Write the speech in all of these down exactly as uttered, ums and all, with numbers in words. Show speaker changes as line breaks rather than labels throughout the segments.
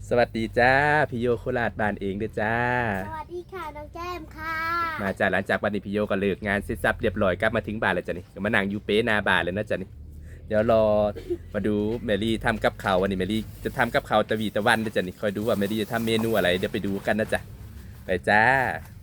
สวัสดีจ้าพี่โยโคราชบ้านเองเด้อจ้า
สวัสดีค่ะน้องแก้มค่ะ
มาจากหลังจากวันนี้พี่โยก็เลิกงานเสร็จสับเรียบร้อยกลับมาถึงบ้านแล้วจ้ะนี่ก็มานั่งอยู่เป๊ะหนาบ้านเลยนะจ้ะนี่เดี๋ยวรอมาดูเมลี่ทำกับข้าววันนี้เมลี่จะทำกับข้าวตะวีตะวันเด้อจ้ะนี่คอยดูว่าเมลี่จะทำเมนูอะไรเดี๋ยวไปดูกันนะจ๊ะไปจ้า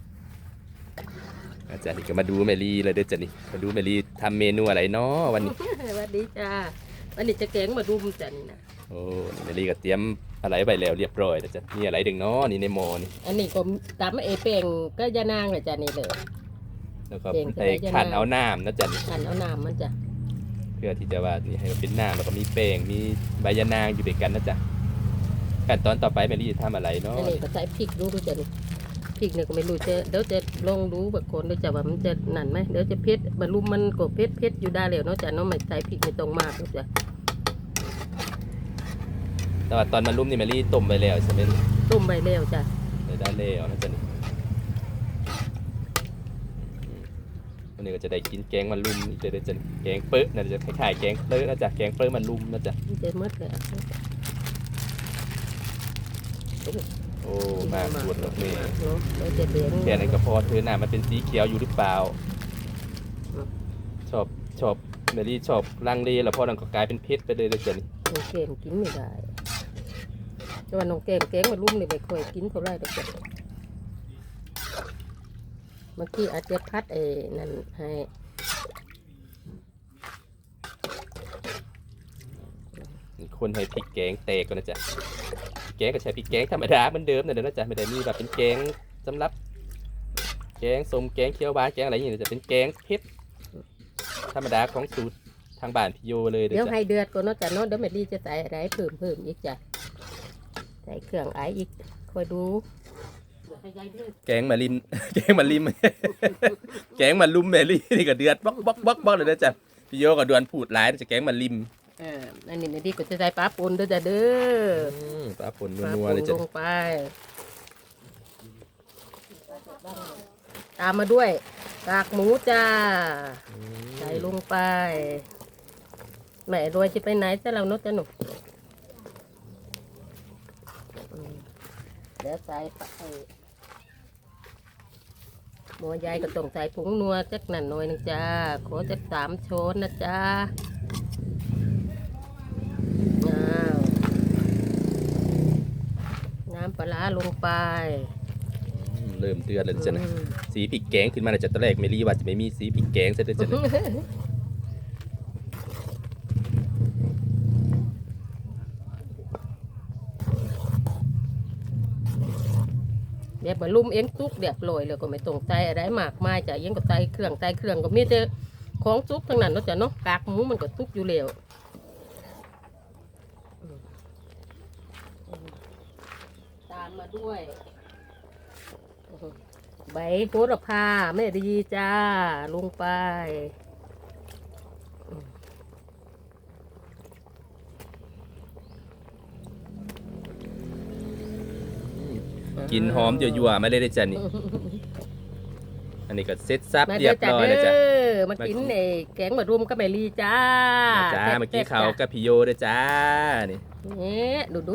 อาจารย์นี่ก็มาดูเมลี่เลยเด้อจ้ะนี่มาดูเมลี่ทำเมนูอะไรเนาะวันนี้
สวัสดีจ้าวันนี้จะแกงมารุมจ้ะนี่นะ
โอ้เมลี่ก็เตรียมอะไรไปแล้วเรียบร้อยแล้วจ้ะนี่อะไรดึงเนาะนี่ในหม้อนี่
อันนี้ก็ตำเอเป่งก็ยานางเลยจ้ะนี่เลย
แล้วก็
เก่ง
ไป
ใช่ไหม
ขันเอาน้ำนะจ๊ะนี่
หั่นเอาน้ำมันจ้ะ
เพื่อที่จะว่านี่ให้มันเป็นน้ำแล้วก็มีแป้งมีใบยะนางอยู่ด้วยกันนะจ๊ะขั้นตอนต่อไปแมรี่จะทำอะไรเนาะ
อันนี้ก็ใส่พริกดูดูจ้ะนี่พริกเนี่ยก็ไม่รู้จะเดี๋ยวจะลองดูแบบคนเดี๋ยวจะว่ามันจะนั่นไหมเดี๋ยวจะเผ็ดบรรลุมมันก็เผ็ดเผ็ดอยู่ได้แล้วเนาะจ้ะเนาะไม่ใส่พริกไม่ตรงมากเนาะจ้ะ
แต่ว่าตอนมันรุ่มนี่แมรี่ต้มไปแล้วใช่ไหม
ต้มใบแล้วจ้ะ
ได้ได้แล้วนะจ๊ะนี่อืมวันนี้ก็จะได้กินแกงมันรุ่มเดี๋ยวจะแกงเป๊ะนะจะคล้ายๆแกงเป๊ะนะจ๊ะแกงเป๊ะมันรุ่มนะจ๊ะ
มันจะหมดแล้ว
โอ้มาปวดหรอกเมย์
เนาะเดี๋ยวจะเหลือง
แค่นั้นก็พอเธอหน้ามันเป็นสีเขียวอยู่หรือเปล่า ชอบชอบแมรี่ชอบลังเลแล้วพอนังก็กลายเป็นเพชรไปเลยนะจ๊ะนี่
น้องเกมกินไม่ได้แต่ว่าน้องเกมแกงมารุมนี่ไม่ค่อยกินเท่าไหรหรอกจ้ะเมื่อกี้อาจจะพัดไอ้นั่นให้
คนให้พริกแกงแตกก่อนนะจ๊ะพริกแกงก็ใช้พริกแกงธรรมดาเหมือนเดิมนะเดี๋ยวนะจ๊ะไม่ได้มีแบบเป็นแกงสำหรับแกงส้มแกงเขียวหวานแกงอะไรอย่างเงี้ยจะเป็นแกงเผ็ดธรรมดาของสูตรทางบ้านพี่โยเลย
เดี๋
เดี๋
ย
ยว ว
ให้
จ้ะ
เดือดก่อนเนาะจ้ะเนาะเดี๋ยวแม่ลีจะใส่อะไรเพิ่มเพิ่มอีกจ้ะใส่เครื่องไออีกคอยดู
แกงมาลิม แกงมาลิม แกงมาลุมแมรี่นี่ก็เดือดบล็อกบล็อกบล็อกบล็อกเลยนะจ๊ะพี่โยก็ดวนพูดหลายจะแกงมาลิม
เอออันนี้แม่ลีก็จะใส่ปลาปนด้วยจ้ะเด้อ
อืมปลาปน
ปลา
นัว
ป
ๆ
น
เลย
ล
จ้ะ
งไป ตามมาด้วยกากหมูจ้า
อืม
ใส่ลงไปแม่รวยจะไปไหนแต่เราเนาะจ้ะหนูอืมเดี๋ยวใส่ไปหมอยายก็ต้องใส่ผงนัวจักหน่อยหน่อยหนึงจ้าขอจักสามช้อนนะจ้าอ้าวน้ำปลาร้าลงไป
อืมเริ่มเดือดเลยจ้ะนะ
อืม
สีพริกแกงขึ้นมาเลยจ้ะตอนแรกเมรี่ว่าจะไม่มีสีพริกแกงซะด้วยจ้ะนะ
เดี๋ยวมาลุ่มเองซุกเดี๋ยวลอยเลยก็ไม่ต้องใส่อะไรมากมายจ้ะยังก็ใส่เครื่องใส่เครื่องก็มีแต่ของซุกทั้งนั้นเนาะจ้ะเนาะกากหมูมันก็ซุกอยู่แล้วอืมอืมตามมาด้วยใบโหระพาแม่ดีจ้าลงไป
กินหอมยั่วๆมาเลยได้อจ้ะนี่อันนี้ก็เซ็ตซับ
มา
เรียบร้อยแล้วจ้ะ
เด้อมากินไอ้แกงมะรุมกับแม่ลีจ้า
มาจ้าเมื่อกี้เขากับพี่โยด้วยจ้านี่
เนี่ยดูดู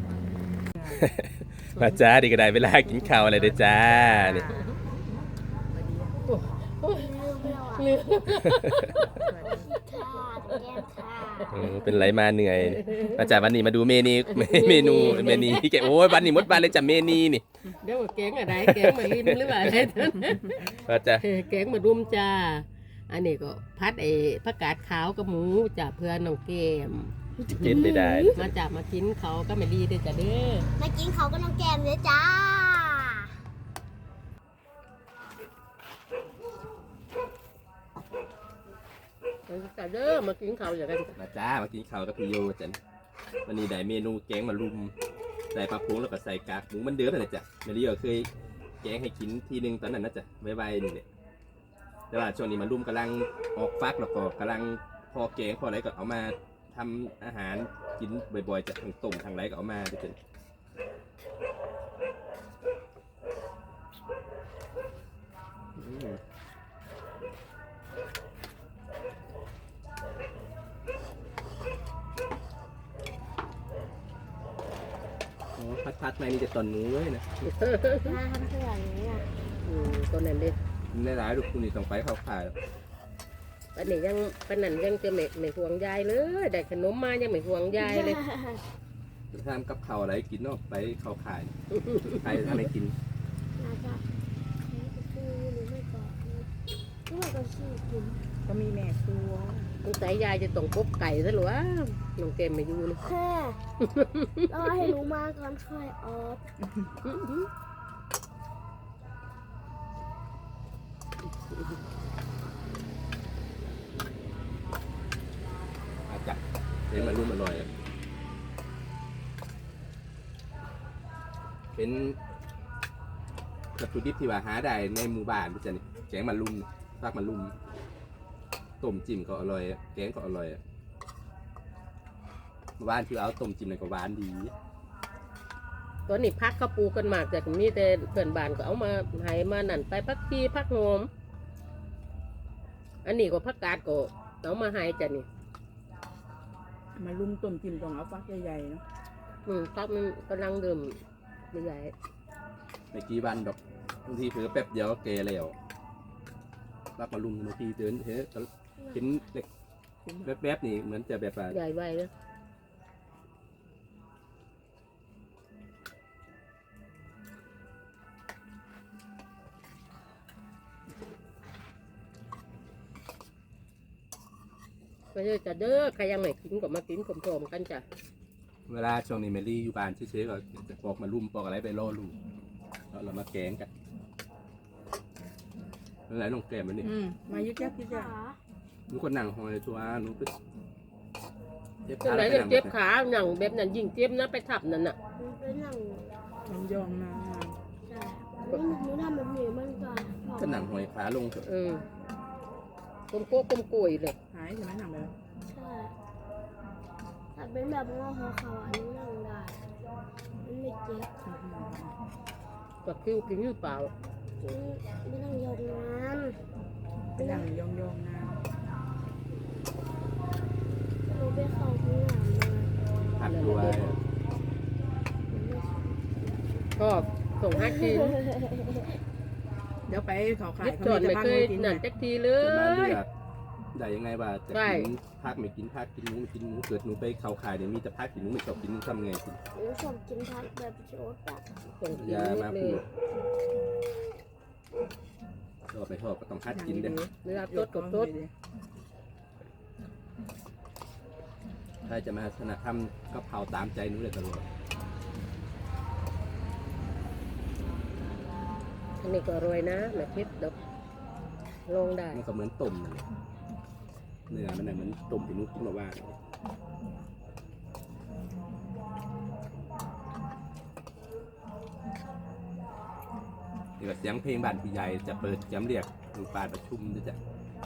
มาจ้าดีก็ได้เวลากินข้าวอะไรเด้อจ้านี่
ลืม
ค่ะน้องแก้มค่ะ
เออเป็นไรมาเหนื่อยมาจ้าวันนี้มาดูเมนูเมนูเมนูแกโอ้ยวันนี้หมดบ้านเลยจ้ะเมนูนี่
เดี๋ยวแกงอะไรแกงมะลิมหรือว่าอะไรนั่น
มาจ้า
แกงมะรุมจ้า อันนี้ก็พัดไอ้ผักกาดขาวกับหมูจ้าเพื่อนน้องเกม
กินได้ได้
มาจับมากินเขาก็ไม่ดีเด้อจ้ะเด้อ
มากินเขาก็น้องแก้มเลยจ้า
จ้ะเด้อมากินเขาอย่างกัน
มาจ้ามากินข้าวกับพี่โยจ้ะวันนี้ได้เมนูแกงมารุมใส่ปลาพงแล้วก็ใส่กากหมูมันเดิมเลยจ้ะเมลี่ก็เคยแกงให้กินทีนึงตอนนั้นนะจ้ะไวๆนี่แหละแต่ว่าช่วงนี้มันรุมกำลังออกฟักแล้วก็กำลังพอแกงพออะไรก็เอามาทำอาหารกินบ่อยๆจากทางต้มทางไรก็เอามาด้วยจ้ะอืมอ๋อพัดพัดไม่นี่จะตอนหนูเลยนะ
มาทำเพื่อนนี้อ่ะ
อืมตัวนั้นเด้
ในร้ายลูกคุณนี่ต้องไปเข้าข่ายแล้ว
ปันนี้ยังปันนั้นยังจะไม่ไม่ห่วงยายเลยได้ขนมมายังไม่ห่วงยายเลย
จะทำกับข้าวอะไรกินเนาะไปเข้าข่ายใครทำให้กิน
น่าจะคือหรือไม่ก็หรือไม่ก็ชื่อกิน
ก็มีแม่ครัว
สงสัยยายจะต้องกบไก่ซะหรือวะน้องเกมไม่อยู่เลย
แค่รอให้รู้มาก่อนค่อยออฟ
อาจับเห็นมันรุ่มอร่อยอะเป็นวัตถุดิบที่ว่าหาได้ในหมู่บ้านพี่จันนี่แกงมันลุ่มฟากมันลุ่มต้มจิ้มก็อร่อยอะแกงก็อร่อยอะหวานคือเอาต้มจิ้มเลยก็หวานดี
ตอนนี้พักก็ปลูกกันมากแต่ก็มีแต่เพื่อนบ้านก็เอามาให้มานั่นไปพักพีพักโหอมอันนี้ก็พักกาดก็เอามาให้จ้ะนี่
มาลุมต้มจิ้มต้องเอาฟักใหญ่ๆเนาะ
อืมพักมันกำลังเดิมใหญ่
ไม่กี่วันดอกบางทีเผลอแป๊บเดียวก็เกแล้วรับมาลุมบางทีเดินเห็นเห็นเด็กแป๊บๆนี่เหมือนจะแบบว่า
ใหญ่ไว้เลยไปเลยจ้ะเด้อใครยังไม่กินก็มากินพร้อมๆกันจ้ะ
เวลาช่วงนี้เมลี่อยู่บ้านเฉยๆก็จะปอกมาลุมปอกอะไรไปล่อลูกแล้วเรามาแกงกันอะไรน้องแกมมันนี่
อืมมายึดยักยึดยัก
ขา
หนูก็นั่งหอยตัวหนูไปเจ็บ
จัง
ขา
ไหน
แล้ว
เนี่ย
ก็นั่ง
เจ็บขาหนังแบบนั้นยิ่งเจ็บนะไปทับนั่นน่ะ
มันเป็นหนัง
ยองยองๆมา
ใช่หนูทำแบบนี้มันก็
ก็นั่งหอยขาลงเถอะ
เออ กลมโก้กลมกุยเลย
หายใช่ไหมหนังแบบ
ใช่ถ้าเป็นแบบงอหัวเขาอันนี้นั่งได้มันไม่เจ็บ
กับคิ้วกินหรือเปล่า
ไม่ต้องยกงาน
เป็นหนังยองยองๆนะ
หนูไปเข้าห้องน้ำมา
หักตัว
ก็ส่งให้กิน
เดี๋ยวไปเขาขาย
ยึด
เขา
จอด
มี
ไม่
จะบ้าน
เคย
กิน
นั่น
เนี่ย
จักทีเล
จะมาย เลือกได้ยังไงว่าจะ
ใช่
กินพักไม่กินพักกินหมูไม่กินหมูเกิดหนูไปเข้าข่ายเนี่ยมีแต่พักกินหนูไม่ชอบกินหนูทำไงกิน
หนูชอบกินทักแบบโจ๊กอะ
ส่งกิน
อย่า
นิ
มา
ดเล
พู
ย
ดชอบไม่ชอบก็ต้องฮัดกินเด้
เวลา
ๆ
ตดกับตด
ใครจะมาถนัดทำกะเพราตามใจหนูเลยตลอด
อันนี้ก็อร่อยนะแบบเผ็ดดอกลองได้
มันก็เหมือนต้มนั่นแหละเนื้อมันน่ะเหมือนต้มที่หนูกินมาว่าเลยนี่ก็เสียงเพลงบ้านพี่ใหญ่จะเปิดย้ำเรียกลูกปานประชุมจะจะ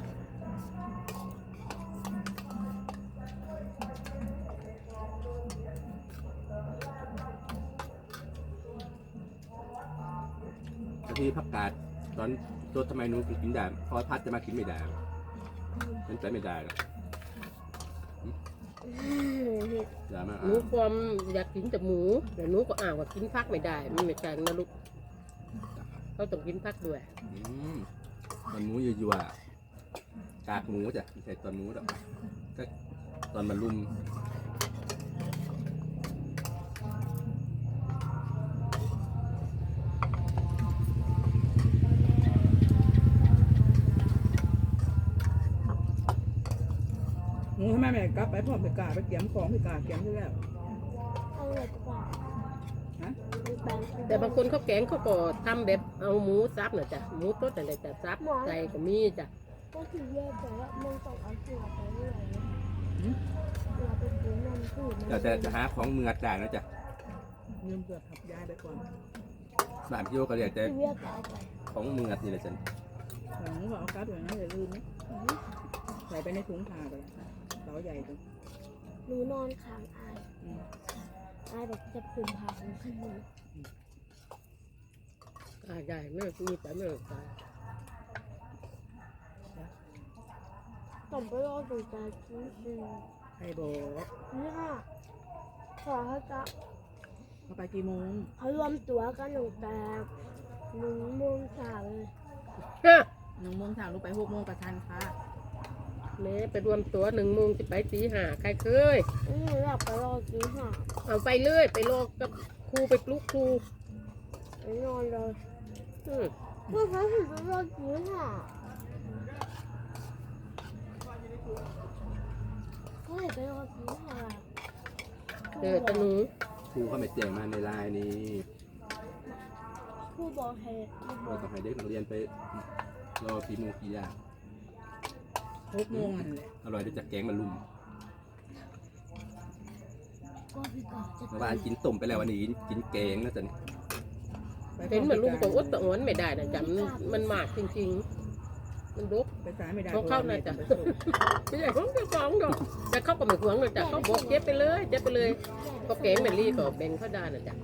ที่ผักกาดตอนตัวทำไมหนูถึงกินได้พอพัดจะมากินไม่ได้เป็นใจไม่ได้หรอกอย่ามา
หนู
อ้าง
ความอยากกินแต่หมูแต่หนูก็อ่างว่ากินพักไม่ได้มันไม่ใช่นะลูกเขาต้องกินพักด้วย
อืมตอนหมูยั่วๆกากหมูจ้ะไม่ใช่ตอนหมูหรอกก็ตอนมันลุ่ม
หนูทำไมแม่กลับไปพร้อมไปกาไปเกี่ยมของไปกาเกี่ยมที่แล้ว
เอาเลยกว่า
ฮะ
แต่บางคนเขาแกงเขาก็ทำแบบเอาหมูซับน่ะจ้ะหมูต้นอะไรแต่ซับใส่ก็มีจ้ะ
ก็ถือแยกแต่ว่ามันต้องเอาเสือไปเรื่อยเราไปซื้อน้ำพืช
แต่จะจะหาของเมือดได้นะจ๊ะ
ยืมเสือทับยายไปก่อน
บ้านพี่โยก็เรียกแต่
ถือแยกแต่เอาไป
ของเมือดนี่แหละจ้ะ
หลังก็เอากลับอย่างนั้นอย่าลืมนะใส่ไปในถุงผ้าไปเต๋าใหญ่จัง
หนูนอนค้างอาย
อืม
อายแบบจะปุ่มผาของขึ้นมา
อ่าได้ไม่มีแต่ไม่ตาย
ต้องไปรอดูใจจริง
ใครบอก
ๆนี่ค่ะขอให้จะ
เขาไปกี่โมง
เขารวมตัวกันตั้งแต่หนึ่งโมงเช้าเลย
ฮะ
หนึ่งโมงเช้าลูกไปหกโมงกับทันค่ะ
แม่ไปรวมตัวหนึ่งโมงจะไปตีห้าใครเคย
อืมอยากไปรอกินห่า
เอาไปเลยไปรอกับครูไปปลุกครู
ไปนอนเลย
อืม
เมื่อเขาถึงไปรอกินห่าก็เลยไปรอกินห่า
เจอตะหนู
ครูเขาไม่แจ้งมาในไลน์นี้
ผู้บอกเหตุ
เราต้องให้เด็กนักเรียนไปรอกี่โมงกี่ยาง
หกโมงนั่นแหละ
อร่อยด้วยจากแกงมาลุม
ก็พี่ก่อนจะ
เมื่อวานกินต้มไปแล้ววันนี้กินแกงนะจ๊ะ
ไป
เห็นเหมือนลุงตัวอดตัวอ้วนไม่ได้นะจ๊ะมันมันมากจริงๆ มันรุก
ไปสายไม่ได้
ของเขาน่ะจ้ะ
ไปส่ง
ไม่ใช่ของเจ้าของดอกแต่เขาก็ไม่หวงเลยจ้ะเขาบอกเจ็บไปเลยเจ็บไปเลยก็แกงเมลี่ก็แบ่งเขาได้นะจ๊ะ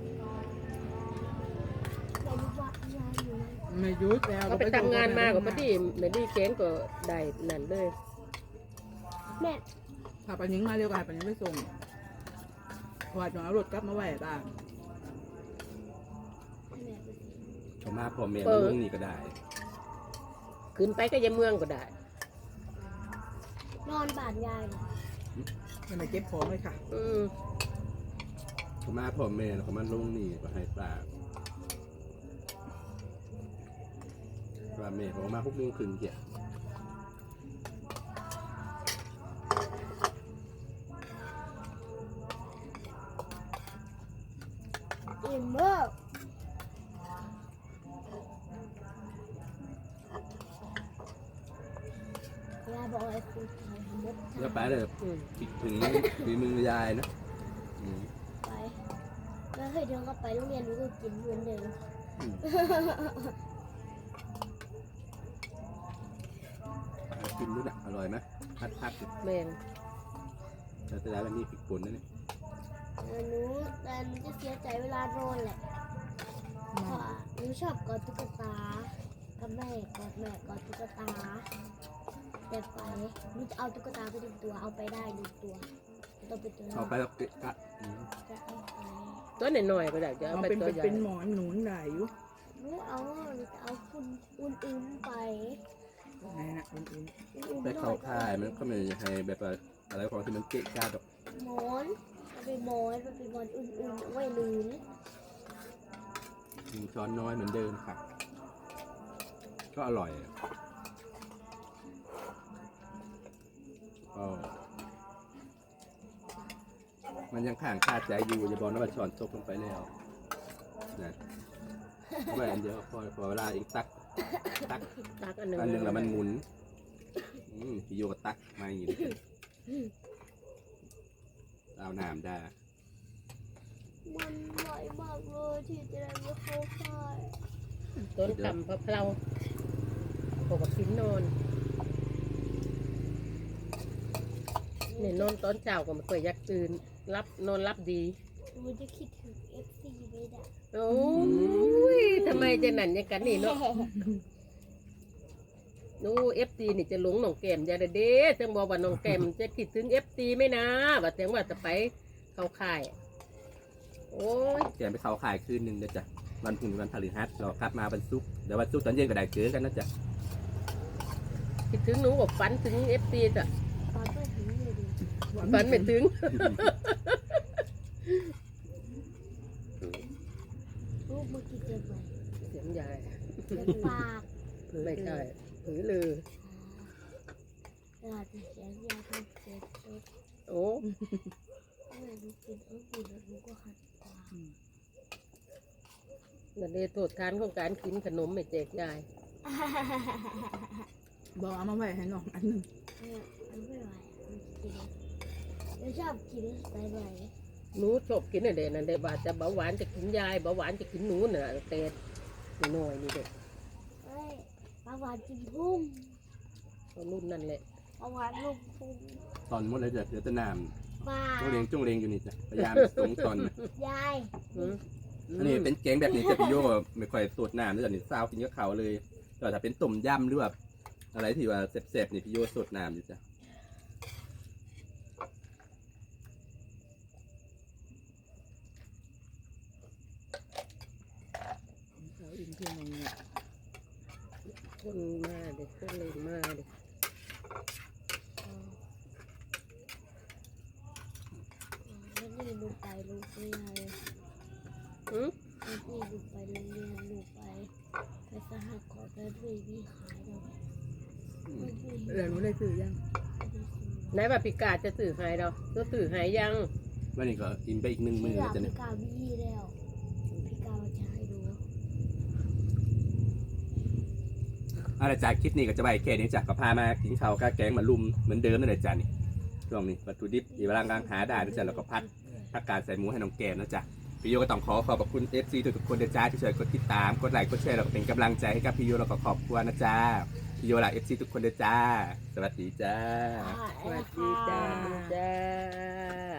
ไปรู้ว่ายายอยู่ไหน
ไม่หยุดแล้ว
ก็ไปทำงานมาก็พอดีเมลี่แกงก็ได้นั่นเลย
แม่
พาปายิงมาเร็วกว่าปายิงไปส่งพอดเอารถกลับมาไหวบ้าง
แม่ไปสิ
เขามาพอแม่มาลุงนี่ก็ได้
ขึ้นไปก็ยังเมืองก็ได้
นอนบ้านยายเหรอ
ยังไม่เก็บของเลยค่ะ
อืม
เขามาพอแม่แล้วเขามาลุงนี่ก็ให้ปลาว่าแม่เขามาหกโมงครึ่งเกี่ย
อิ่มเมากยายบอกให้คุณทำให้หมด
แล้วไปเลย
อืม
คิดถึงฝีมือยายนะอืม
ไปแล้วเคยเดินก็ไปโรงเรียนหนูก็กินเหมือนเดิม
อืมกินด้วยนะอร่อยไหมพัดพัด
แม่ง
แต่แต่แล้วมันมีพริกป่นนะเนี่ย
เออหนูแต่หนูจะเสียใจเวลานอนแหละเพราะว่าหนูชอบกอดตุ๊กตากับแม่กอดแม่กอดตุ๊กตาแต่ไปหนูจะเอาตุ๊กตาไปหนึ่งตัวเอาไปได้หนึ่งตัวต้องเป็นตัว
เอาไปแล้วเกะกะอืม
จะเอาไป
ตัวหน่อยๆก็ได้จะเอา
เอา
ไป
เป็น
ตัวใหญ่
เป็นหมอนหนุนได้อยู่
หนูเอาหนูจะเอาคุณอุ่นๆไป
ไหนนะอุ่น
อุ่นๆ
ไปเข้าค่ายมันก็ไม่ให้แบบว่าอะไรของที่มันเกะกะดอก
หมอนมันเป็นหมอนมันเป็นหมอนอุ่นๆเอาไว้ลืน
อืมช้อนน้อยเหมือนเดิมค่ะ ก็อร่อยก็มันยังข้างคาใจอยู่อย่าบอกนะว่าช้อนตกลงไปแล้วนะเอาไว้อันเดียวพอพอเวลาเองตักตัก
ตักอันหนึ่ง
อันหนึ่งแล้วมันหมุนอืมพี่โยก็ตักมาอย่างนี้เอาน้ำได้
มันไหวมากเลยที่จะได้ไม่เข้าค่าย
ต้นต่ำพะเพราพอกับกินนอนเนี่ยนอนตอนเช้าก็ไม่ค่อยอยากตื่นรับนอนรับดี
หนูจะคิดถึง เอฟ ซี ไม่ได้
โอ้ยทำไมจะนั่นอย่างกันนี่เนาะนู้เอฟซีนี่จะหลงน้องแก้มอย่าเด้อจังบอกว่าน้องแก้มจะคิดถึงเอฟซีไหมนะว่าแต่ว่าจะไปเข้าค่าย โอ้ย
แกไปเขาขายคืนหนึ่งเดี๋ยวจ้ะวันพุ่งวันพฤหัสเรากลับมาวันศุกร์เดี๋ยววันศุกร์ตอนเย็นก็ได้เจอกันนะจ๊ะ
คิดถึงหนูกับฝันถึงเอฟซีจ้ะ
ตอนไปถึงเลยดิ
ๆ
ฝันไม่ถึง
ลูกเมื่อกี้เจ็บไหม
เสียงใหญ่
เจ็บปาก
ไม่ใช่ผือลือ
เวลาจะเสียงยาต้องเจ็บเจ็บ
โอ้
เมื่อหนูกินเอฟซีแล้วหนูก็ขัดปาก
นั่นเลยโทษทานของการกินขนมไม่แจกยาย
บอกเอามาไหวให้น้องอันหนึง
เออมันไม่ไหวอ่ะมันกินหนูชอบกินไปไหน
หนูชอบกินอะไรนั่นเด็กว่าจะเบาหวานจะกินยายเบาหวานจะกินหนูน่ะแต่หน่อยนี่เด็ก
เอ้ยปลาหวานกินพุ่ม
รุ่นนั่นแหละ
ปลาหวานลูกพุ่ม
ตอนหมดเลยจ้ะเดี๋ยวจะน้
ปลา
ำต้องเลี้ยงจ้องเลี้ยงอยู่นี่จ้ะพยายามสงตอนนะ
ยาย
อืม
อันนี้เป็นแกงแบบนี้จะพี่โยไม่ค่อยสดน้ำด้วยจ้ะนี่ซาวกินกับเขาวเลยแต่ถ้าเป็นต้มยำหรือแบบอะไรที่ว่าแซ่บๆนี่พี่โยสดน้ำอยู่จ้ะ
ที่มันเนี่ย
คนมาเด็กคนเลยมาเด็ก
แล้วนี่ลูกไปลูกเรียน
อืม
แล้วนี่ลูกไปโรงเรียนลูกไปไปสหกรณ์แล้วด้วยมีขายเราไม่มี
เออหนูได้ซื้อยัง
ไหนว่าพิกาจะสื่อหายดอกก็สื่อหายยัง
วันนี้ก็อิ่มไปอีกหนึ่งมือ
พี่
แล้วจ้ะ
พี่
เนี่ย
กาวมีแล้วพี่กาวจะให้ดู
เอาละจากคลิปนี้ก็จะไปแค่นี้จ้ะก็พามากินข้าวกับแกงมาลุมเหมือนเดิมนั่นแหละจ้ะนี่ช่วงนี้วัตถุดิบที่กำลังกำลังหาได้นะจ๊ะแล้วก็พัดผักกาดใส่หมูให้น้องแกมนะจ๊ะพี่โยก็ต้องขอขอบคุณ เอฟ ซี ทุกๆคนนะจ๊ะที่ช่วยกดติดตามกดไลค์กดแชร์แล้วก็เป็นกำลังใจให้กับพี่โยแล้วก็ขอบคุณนะจ๊ะพี่โยและ เอฟ ซี ทุกคนนะจ๊ะสวัสดีจ้า
อ่า
สวัสดีจ้า
จ้า